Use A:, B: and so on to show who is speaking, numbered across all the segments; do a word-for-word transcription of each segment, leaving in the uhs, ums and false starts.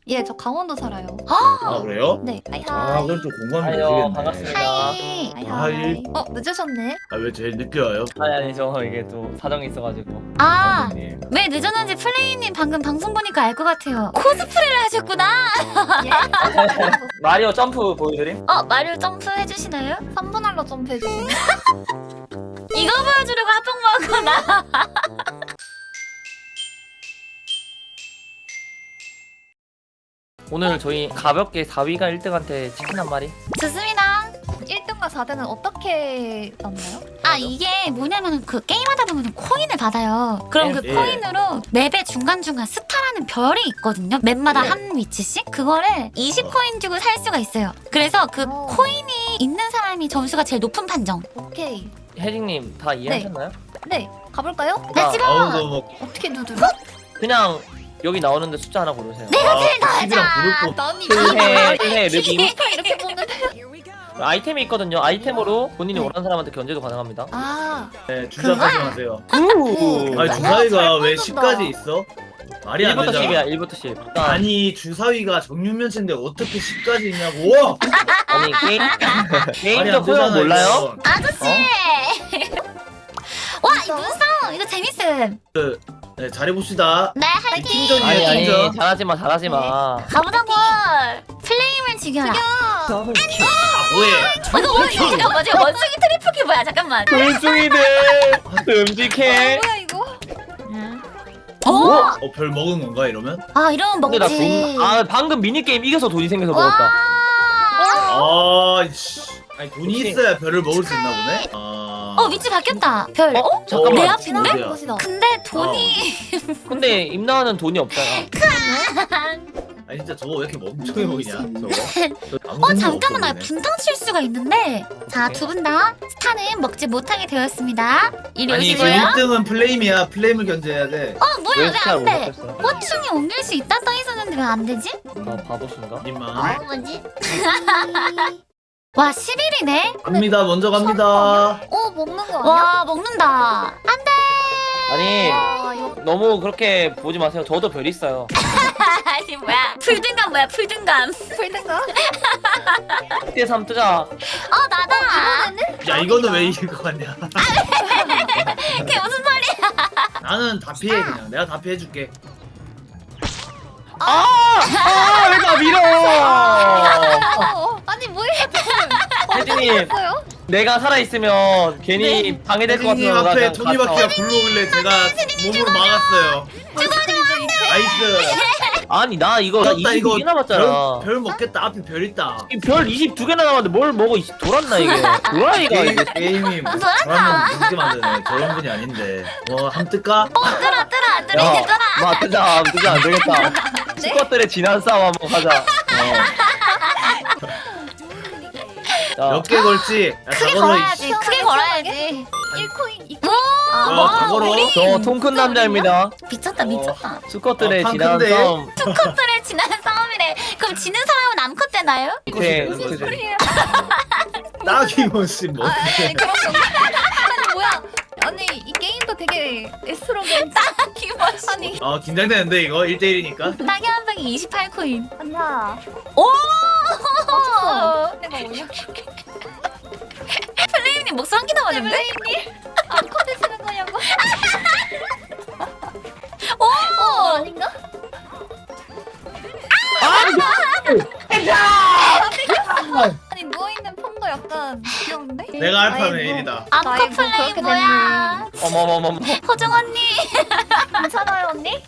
A: 예, 저 강원도 살아요.
B: 아 그래요?
A: 네. 하이
B: 아
A: 하이.
B: 그럼 좀 공감이
C: 아유,
B: 되시겠네.
C: 반갑습니다.
A: 하이. 하이
B: 하이.
A: 하이. 어, 늦으셨네.
B: 아 왜 제일 늦게 와요?
C: 아니 아니 저 이게 또 사정이 있어가지고.
D: 아,
B: 선생님.
D: 왜 늦었는지 플레이님 방금 방송 보니까 알 것 같아요. 코스프레를 하셨구나.
A: 예.
C: 마리오 점프 보여드림?
D: 어, 마리오 점프 해주시나요?
A: 삼 분 할로 점프해 주시네.
D: 이거 보여주려고 합방 먹었구나.
C: 오늘 저희 가볍게 사 위가 일 등한테 치킨 한 마리.
D: 좋습니다.
A: 일 등과 사 등은 어떻게 나눠요?
D: 아, 이게 뭐냐면 그 게임하다 보면 코인을 받아요. 그럼 그
B: 예.
D: 코인으로 맵의 중간중간 스타라는 별이 있거든요. 맵마다
B: 예.
D: 한 위치씩. 그거를 이십 코인 주고 살 수가 있어요. 그래서 그
A: 어.
D: 코인이 있는 사람이 점수가 제일 높은 판정.
A: 오케이.
C: 혜진님 다 이해하셨나요?
A: 네, 가볼까요?
D: 나 집에
B: 아우 너뭐
A: 어떻게 누르나?
C: 그냥 여기 나오는데 숫자 하나 고르세요.
D: 내가 제일
B: 집이랑
D: 나자.
B: 부를 거.
A: 난이
C: 해, 해, 르비.
A: 이렇게 보는데.
C: 아이템이 있거든요. 아이템으로 본인이
A: 네.
C: 원하는 사람한테 견제도 가능합니다.
A: 아,
B: 네, 주자까지 하세요.
C: 우!
B: 아니
A: 나
B: 주사위가
A: 잘
B: 왜
A: 뽑는다.
B: 십까지 있어? 말이 안
C: 일부터
B: 되잖아.
C: 십이야. 일부터 십. 일단
B: 아니 주사위가 정육면체인데 어떻게 십까지 있냐고. 와!
C: 아니 게임
B: 말이 안
C: 게임적 소용
B: 되잖아,
C: 몰라요?
B: 이건.
D: 아저씨. 와, 이 문성 이거 재밌음.
B: 네, 잘해봅시다.
D: 네, 화이팅.
B: 팀전이에요,
C: 아니 아니
B: 팀전.
C: 잘하지 마 잘하지 마.
D: 가보자고. 플레임을 죽여라.
B: 아 뭐해?
D: 어, 이거 뭐야? 이거 잠깐만, 지금 원숭이 트리플키 뭐야? 잠깐만.
C: 돌숭이들
A: 아,
C: 듬직해.
A: 뭐야 이거?
D: 어?
B: 어, 별 먹은 건가 이러면?
D: 아, 이러면
C: 근데 나
D: 먹지.
C: 돈, 아 방금 미니게임 이겨서 돈이 생겨서
D: 와.
C: 먹었다.
B: 아, 씨. 아니 돈이
C: 혹시-
B: 있어야 별을 먹을 수 있나 보네. 아.
D: 어, 위치 바뀌었다. 별.
C: 어? 잠깐만.
D: 내
B: 어,
D: 앞인데?
B: 어디야?
A: 곳이다.
D: 근데 돈이
C: 근데 임나은은 돈이 없잖아.
B: 아니 진짜 저거 왜 이렇게 멍청해 보이냐? 저거. 저 아무
D: 어,
B: 생각
D: 잠깐만, 나
B: 없어 보이네.
D: 분탕 칠 수가 있는데. 자, 두 분 다 스타는 먹지 못하게 되었습니다. 이리
B: 아니 지금
D: 오시고요.
B: 일 등은 플레임이야. 플레임을 견제해야 돼.
D: 어, 뭐야?
C: 왜
D: 왜
C: 스타를
D: 안
C: 못
D: 돼?
C: 먹겠어?
D: 호충이 옮길 수 있다 써 있었는데 왜 안 되지?
C: 아 바보신가?
B: 님만.
D: 어, 뭐지? 와, 십 일이네?
B: 갑니다. 먼저 갑니다.
A: 어, 먹는 거 아니야?
D: 와, 먹는다. 안 돼!
C: 아니
A: 와, 이거
C: 너무 그렇게 보지 마세요. 저도 별 있어요.
D: 아니, 뭐야. 풀등감 뭐야, 풀등감.
A: 풀든가?
C: 일 대 삼 뜨자.
D: 어, 나다.
B: 야 이거는 왜 이길 것 같냐?
D: 그게 무슨 소리야?
B: 나는 다 피해 그냥. 내가 다 피해줄게.
C: 아! 아! 왜 나 밀어!
A: 어, 아니 뭐예요 지금?
C: 혜진님
A: 했어요?
C: 내가 살아있으면 괜히 방해될 것
B: 혜진님
C: 같아서 나
B: 앞에
C: 그냥
B: 토니바퀴가
C: 갔다.
B: 굴러오길래 제가 몸으로 막았어요. 나이스.
C: 아니 나 이거 나
B: 졌다,
C: 이십이 개 남았잖아.
B: 별, 별 먹겠다. 앞에 별 있다.
C: 이 별 이십이 개나 남았는데 뭘 먹어. 이 돌았나 이게. 도라이가
B: 게임,
C: 이게.
B: 게임이
D: 아,
B: 저라면 그렇게 만드네. 저런 분이 아닌데. 뭐 한 뜰까?
D: 뜨라, 뜨라, 뜨라,
C: 야,
D: 뜨라.
C: 마 뜨자. 뜨자 안 되겠다. 스쿼트의 지난 싸움 한번 가자. 어.
B: 몇 개 걸지? 야,
D: 크게
B: 다 걸어,
D: 걸어야지. 크게 걸어야지.
A: 일 코인, 이
D: 오,
A: 코인.
B: 와, 다 걸어.
C: 저 통 큰 남자입니다.
D: 미쳤다, 미쳤다.
C: 스쿼트의
B: 어,
C: 지난
B: 큰데?
C: 싸움.
D: 투컷들의 지난 싸움이래. 그럼 지는 사람은 암컷 되나요?
C: 네,
B: 무슨
C: 그-
A: 소리예요?
B: 딱이모씨 뭐.
A: 아, 아니 그런 건가? 아니 뭐야? 아니 이 게임도 되게 에스로겐
D: 기머시.
A: 아니
B: 아 긴장되는데 이거 일 대 일이니까.
D: 땅이 한 방에 이십팔 코인.
A: 아니야.
D: 오!
A: 내가 뭐냐?
D: 플레이님 목소리 한개 나왔는데?
A: 플레이님 안 커드시는 거냐고?
D: 오!
A: 어 아닌가? 아니 누워 있는 폰도 약간 귀여운데?
B: 내가 알파는
A: 아이고.
B: 일이다.
D: 암컷
A: 아이고,
D: 플레이
A: 그렇게
D: 뭐야?
C: 어머머머머.
D: 호정 언니.
A: 괜찮아요 언니?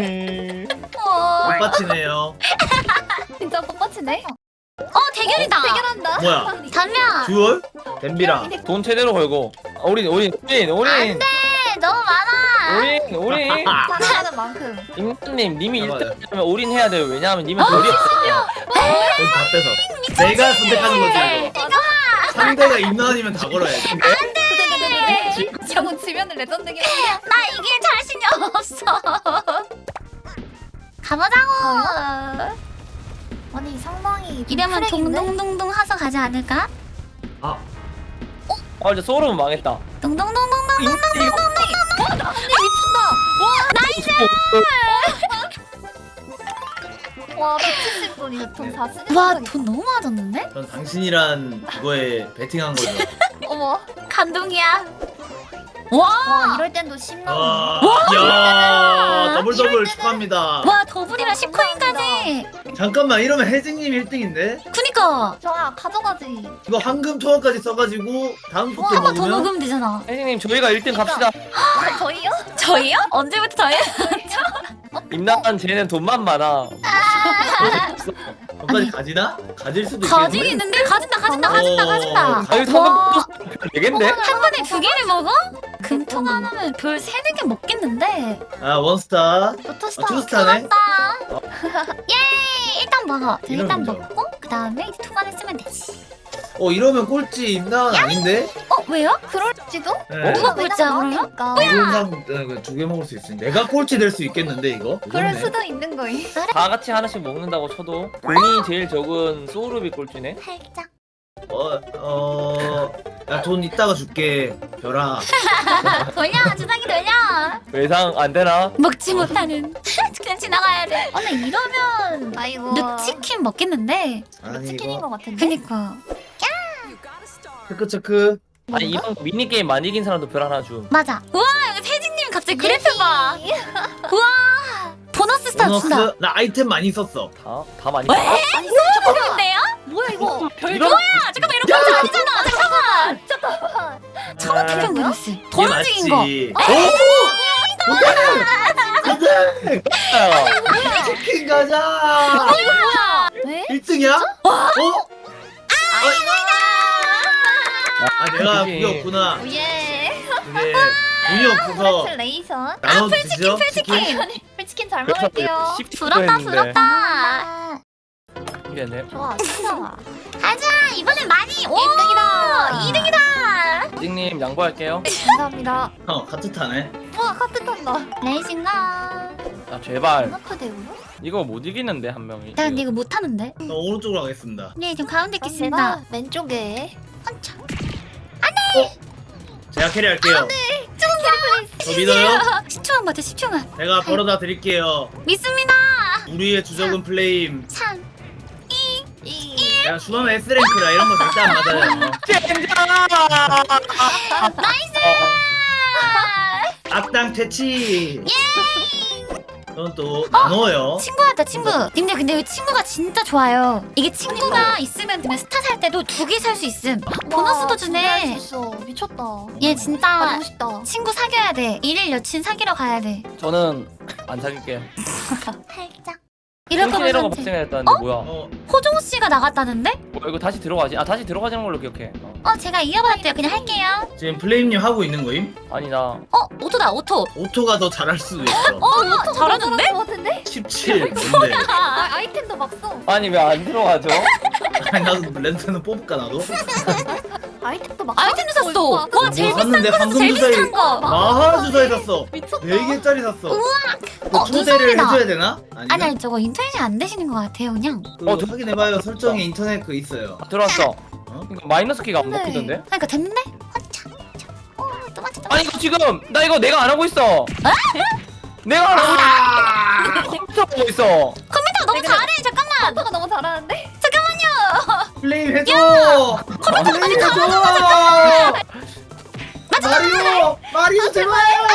D: 어,
B: 꽃받치네요.
A: 진짜 꽃받치네.
D: 어 대결이다.
A: 대결한다.
B: 뭐야?
D: 담야.
B: 듀얼? 댐비랑.
C: 돈 제대로 걸고. 아, 우린 우린 우린 우린
D: 안돼. 너무 많아.
C: 우린 우린.
A: 사랑하는 만큼.
C: 임님 님이 일
B: 맞아요.
C: 등하면 올인 해야 돼요. 왜냐하면 님은 별이 없어요.
B: 거기 다 뺏어. 내가 선택하는 거지 이거. 상대가 임나은이면 다 걸어야지.
A: 네네네네. 이러고 지면은 레전드긴 한데.
D: 나 이길 자신이 없어. 가보자고.
A: 아니 상당히
D: 이러면 동동동동 하서 가지 않을까?
B: 아,
C: 아 이제 소울은 망했다.
D: 동동동동동.
C: 이거
A: 미친다. 와 백칠십 분이 돈다 쓰는
D: 와 돈 너무 많아졌는데?
B: 전 당신이란 그거에 베팅한 거죠.
A: 어머.
D: 감동이야. 와.
A: 와 이럴 땐도 십 나오네.
B: 와, 이야, 더블 더블 축하합니다.
D: 와 더블이랑 십 코인까지.
B: 잠깐만 이러면 혜진님 일 등인데?
D: 그니까
A: 좋아 가져가지.
B: 이거 황금 토화까지 써가지고 다음
A: 와,
B: 속도
D: 한 번 더
B: 먹으면
D: 먹으면 되잖아.
C: 혜진님 저희가 일 등 갑시다.
A: 아, 저희요?
D: 저희요? 언제부터 저희?
C: 임나한 쟤는 돈만 많아.
B: 거기까지 가지나? 가질 수도
D: 가지고
B: 있겠는데?
D: 있는데 가진다 가진다 가진다
B: 어.
D: 가진다.
C: 아유
D: 와.
C: 상금 되겠네?
D: 한 번에 두 개를 먹어? 금통 하나면 별 세네 개 먹겠는데.
B: 아 원스타.
A: 로터스타.
B: 아, 투스타네.
D: 맞다. 예 일단 먹어.
B: 이런
D: 일단
B: 거죠.
D: 먹고 그 다음에 이제 투관을 쓰면 되지.
B: 어 이러면 꼴찌 임나은 아닌데?
D: 어 왜요?
A: 그럴지도?
B: 네.
D: 누가 꼴찌야, 그러면?
B: 이런 두개 먹을 수 있으니 내가 꼴찌 될 수 있겠는데 이거?
A: 그럴
B: 무섭네.
A: 수도 있는 거임.
C: 다 같이 하나씩 먹는다고 쳐도 돈이 제일 적은 소울룹이 꼴찌네.
D: 살짝.
B: 어, 어, 야 돈 이따가 줄게, 별아.
D: 돌려 주사기 돌려.
C: 외상 안 되나?
D: 먹지 못하는. 그냥 지나가야 돼. 아, 근데 이러면
A: 아이고.
D: 늑치킨 먹겠는데.
B: 아니
A: 치킨인
B: 이거
A: 것 같은데.
D: 그니까.
B: 체크 체크.
C: 아니 이번 미니 게임 많이 이긴 사람도 별 하나 줌.
D: 맞아. 우와 여기 세진님 갑자기 그래프 봐. 우와 보너스 스타 준다.
B: 보너스 나 아이템 많이 썼어.
C: 다, 다 많이.
D: 왜?
A: 아니 진짜
D: 좋은데요?
A: 뭐야 이거?
C: 이런
D: 아 잠깐만 이런 거 아니잖아. 잠깐만.
A: 잠깐만.
D: 천원 태평 보너스. 더
B: 이게
D: 움직인 거.
B: 맞지. 오! 오케이!
C: 거야.
B: 치킨 가자.
D: 뭐야?
A: 왜?
B: 일 등이야? 어? 아 내가
C: 그치.
B: 그게 없구나.
A: 예.
B: 그게 돈이 없어서
A: 콜레이션.
B: 나눠
D: 풀치킨
B: 드시죠?
D: 풀치킨.
A: 풀치킨 잘
C: 그래서
A: 먹을게요.
C: 십
D: 부럽다 부럽다.
C: 이겼네.
A: 좋아 진짜.
D: 가자 이번엔 많이. 오
A: 일 등이다.
D: 이 등이다.
C: 혜진님 양보할게요.
A: 감사합니다.
B: 어 같은 타네.
A: 우와 카트 탄다.
D: 레이싱가.
C: 아 제발.
A: 카트 대우요?
C: 이거 못 이기는데 한 명이.
D: 나 근데 이거 못하는데.
B: 저 오른쪽으로 가겠습니다.
D: 네 지금 가운데
A: 그럼
D: 있겠습니다.
A: 내가 왼쪽에.
D: 한참.
B: 제가 캐리할게요. 저 믿어요?
D: 십 초만 버텨 십 초만.
B: 제가 벌어다 드릴게요.
D: 믿습니다.
B: 우리의 주적은 플레임.
D: 삼.
A: 이.
B: 내가 수험의 S랭크라 이런 거 절대 안 맞아요.
C: 젠장!
D: 나이스.
B: 악당 퇴치. 저는 또 나눠요.
D: 친구한테 친구. 님들 근데 이 친구가 진짜 좋아요. 이게 친구가 있으면 그냥 스타 살 때도 두 개 살 수 있음. 보너스도 주네.
A: 있어. 미쳤다.
D: 얘 진짜
A: 가지고 싶다.
D: 친구 사귀어야 돼. 일일 여친 사귀러 가야 돼.
C: 저는 안 사귈게요.
D: 살짝. 이럴
C: 이런 거
D: 거면
C: 발생했다는데 뭐야?
B: 어,
D: 호종 씨가 나갔다는데?
C: 뭐 이거 다시 들어가지? 아 다시 들어가지는 걸로 기억해. 어.
D: 어 제가 이어받았대요. 그냥 할게요.
B: 지금 플레임님 하고 있는 거임?
C: 아니 나
D: 어 오토다 오토.
B: 오토가 더 잘할 수도 있어.
D: 어 잘하는데?
A: 것 같은데?
B: 십칠 뭔데?
A: 아 아이템도 막 써.
C: 아니 왜 안 들어가죠?
B: 아니 나도 렌트는 뽑을까 나도?
A: 아이템도 막.
D: 아이템도
A: 써?
D: 샀어.
A: 와,
D: 와 제일 비싼
B: 샀는데
D: 거 샀어.
B: 방금
D: 제일
B: 주사위
D: 비싼 거.
B: 마하 주사위 샀어.
A: 미쳤다.
B: 네 개짜리 샀어.
D: 우와.
B: 그
D: 어,
B: 초대를
D: 눈썹이다.
B: 해줘야 되나? 아니면?
D: 아니 아니 저거 인터넷이 안 되시는 것 같아요 그냥.
B: 그거
C: 어, 저-
B: 확인해봐요. 설정에 인터넷 그 있어요.
C: 들어왔어.
B: 어?
C: 이거 마이너스 키가 안
A: 네.
C: 먹히던데?
D: 그러니까 됐는데? 한참. 어또 맞췄다.
C: 아니 이거 지금 나 이거 내가 안 하고 있어. 내가 안 하고 있어. 컴퓨터 보고 있어.
D: 컴퓨터 너무
A: 내가-
D: 잘해. 잠깐만.
A: 아빠가 너무 잘하는데?
B: 플레임 해줘! 플레임 해줘! 마리오! 마리오 제발!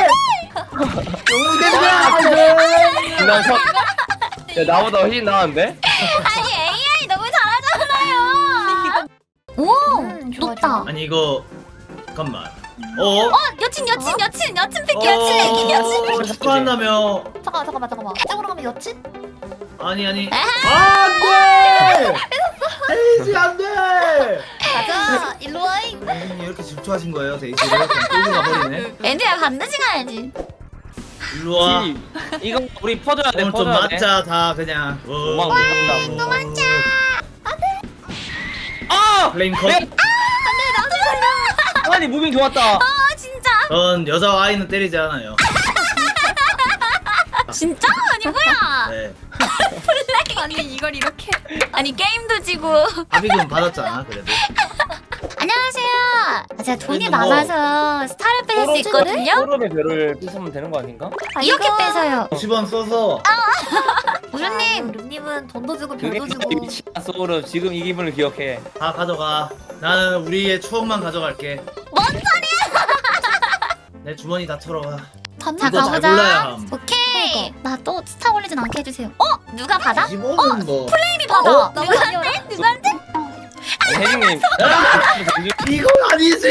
B: 너무 대박!
C: 난 서... 야 나보다 훨씬 나은데?
D: 아니 에이아이 너무 잘하잖아요. 오
A: 음, 좋아,
D: 높다.
A: 좋아.
B: 아니 이거 잠깐만. 어?
D: 어 여친 여친 여친 여친 픽
B: 어,
D: 여친 여친.
B: 축하한다며.
A: 잠깐만 잠깐만 잠깐만. 이쪽으로 가면 여친?
B: 아니 아니. 안돼! 데이지 안돼!
A: 가자. 일로 와이.
B: 선생님 이렇게 질투하신 거예요 데이지를? 그냥 끌고 가버리네.
D: 애들야 반드시 가야지.
B: 일로 와.
C: 지, 이거 우리 퍼줘야 돼
B: 오늘 좀
C: 퍼줘야 돼.
B: 맞자 다 그냥.
C: 도망
B: 어.
C: 못
B: 또
C: 간다. 아!
B: 플레임 컷.
C: 내- 아니 무빙 좋았다.
D: 아 진짜?
B: 전 여자 아이는 때리지 않아요.
D: 진짜? 아니 뭐야?
B: 네.
A: 아니 이걸 이렇게.
D: 아니 게임도 지고.
B: 합의금 받았잖아 그래도.
D: 안녕하세요. 아, 제가 돈이
B: 이거 뭐-
D: 많아서 스타를 뺏을 수 있거든요.
C: 소름의 별을 뺏으면 되는 거 아닌가?
A: 아,
D: 이렇게
A: 이거-
D: 뺏어요.
B: 오십 원 써서
D: 우주님.
A: 룸님은 돈도 주고
C: 그게
A: 별도 주고.
C: 미친다 소름. 지금 이 기분을 기억해.
B: 다 가져가. 나는 우리의 추억만 가져갈게.
D: 뭔 소리야?
B: 내 주머니 다 털어가.
D: 자
B: 이거 잘 골라야
D: 가보자.
B: 함.
D: 오케이. 나 또 스타 올리진 않게 해주세요. 어? 누가 받아?
B: 이십 원은 뭐.
D: 플레임이 받아.
B: 어?
D: 누구한테? 누구한테?
C: 혜진님.
B: 이건 아니지.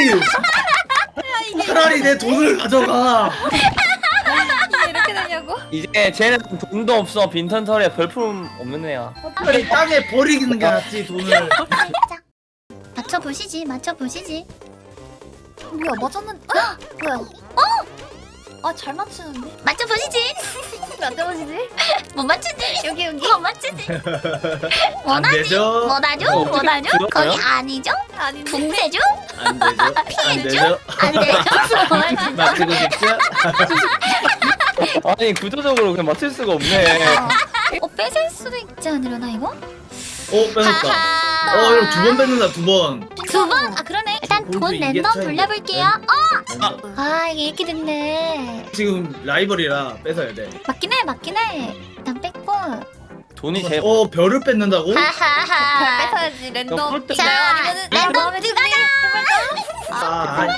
B: 차라리 내 돈을 가져가.
A: 이게 이렇게 되냐고?
C: 이제 쟤는 돈도 없어. 빈턴 털에 별품 없는 애야.
B: 차라리 땅에 버리는 게 낫지 돈을.
D: 맞춰 보시지. 맞춰 보시지.
A: 뭐야 맞았는? 아, 뭐야? 어? 아잘 맞추는데?
D: 맞춰 보시지.
A: 안 되어지지?
D: 못 맞추지.
A: 여기 여기.
D: 못 맞추지.
B: 안
D: 원하지?
B: 되죠?
D: 원하죠?
C: 어,
D: 원하죠?
C: 들었어요?
D: 거기 아니죠?
A: 아닌데.
D: 붕세죠?
B: 안 되죠? 안 되죠?
D: 안 되죠?
B: 맞추고 싶죠?
C: 아니 구조적으로 그냥 맞출 수가 없네.
D: 어 뺏을 수도 있지 않으려나 이거?
B: 어 뺏었다. 어 이거 두 번 뺏는다 두 번.
D: 두 번? 아 그러네. 일단
B: 골드
D: 돈
B: 이게
D: 랜덤
B: 차이네.
D: 돌려볼게요. 어? 아 이게 이렇게 됐네.
B: 지금 라이벌이라 뺏어야 돼.
D: 맞긴 해 맞긴 해. 일단 뺐고.
C: 돈이 제일
B: 어 별을 뺏는다고?
D: 하하하.
A: 뺏어야지 랜덤.
C: 꿀등.
A: 자,
D: 자,
A: 아니면은
D: 랜덤
A: 마음에
D: 누가
A: 드니?
B: 아, 아니.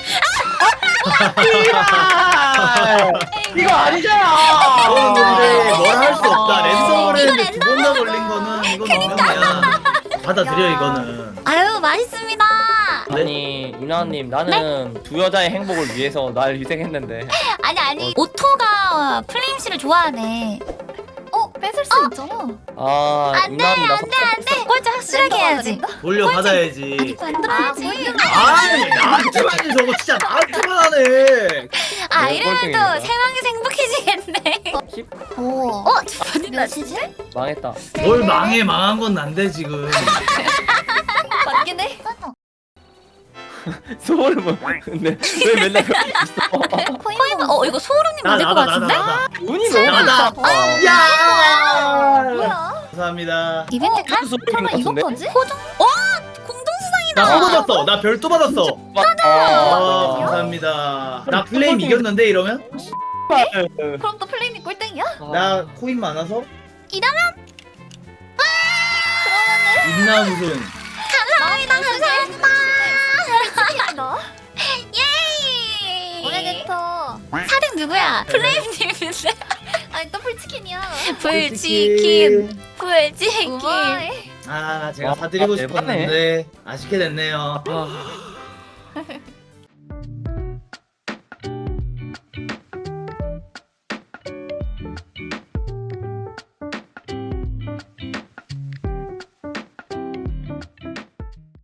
C: 이거 아니잖아.
B: 이거는 근데 뭐라 할 수 없다. 랜덤을
D: 이거
B: 했는데 두 번 다 걸린 거는 이건 너무야. 받아들여
A: 야.
B: 이거는.
D: 아유 맛있습니다.
C: 아니 이나님 나는 두 여자의 행복을 위해서 날 희생했는데.
D: 아니 아니 오토가 플레임 씨를 좋아하네.
A: 어 뺏을 수 있잖아.
C: 아
D: 안돼
C: 이나님 나
D: 안돼 안돼. 꼴찌 확실하게 해야지.
B: 돌려
D: 아니
B: 받아야지.
D: 이거 안 들어야지.
B: 아니 나한테만 해 저거 진짜 나한테만 하네.
D: 아
C: 네,
D: 이러면
C: 꼴등입니다.
D: 또 세 명이서 행복해지겠네.
A: 오.
D: 어? 두 번이나
A: 몇이지?
C: 망했다.
B: 뭘 망해 망한 건 난데 지금.
A: 맞긴 해.
C: 소름은 근데 왜 맨날 그렇게 있어?
A: 코인
D: 어 이거 소름님
B: 나
D: 만들 것
B: 나다
D: 같은데?
B: 나다
C: 운이 너무
B: 나다.
C: 좋다.
B: 야.
A: 뭐야?
B: 감사합니다.
D: 이벤트 카?
C: 소름인 것
A: 설마
C: 같은데?
A: 이것까지?
D: 호종? 어? 공동수상이다.
B: 나 또 받았어. 나 별도 받았어. 아
C: 아,
B: 감사합니다. 나 플레임 이겼는데 이러면?
A: 그럼 또 플레임이 꼴등이야?
B: 나 코인 많아서?
D: 이러면
B: 있나 무슨?
D: 감사합니다 감사합니다.
A: 너?
D: 예이.
A: 오래됐어.
D: 사 등 누구야? 플레임님인데.
A: 아니 더블치킨이야.
D: 불치킨. 불치킨.
A: 우와이.
B: 아 제가
C: 와,
B: 사드리고
C: 아,
B: 싶었는데 아쉽게 됐네요.
C: 아,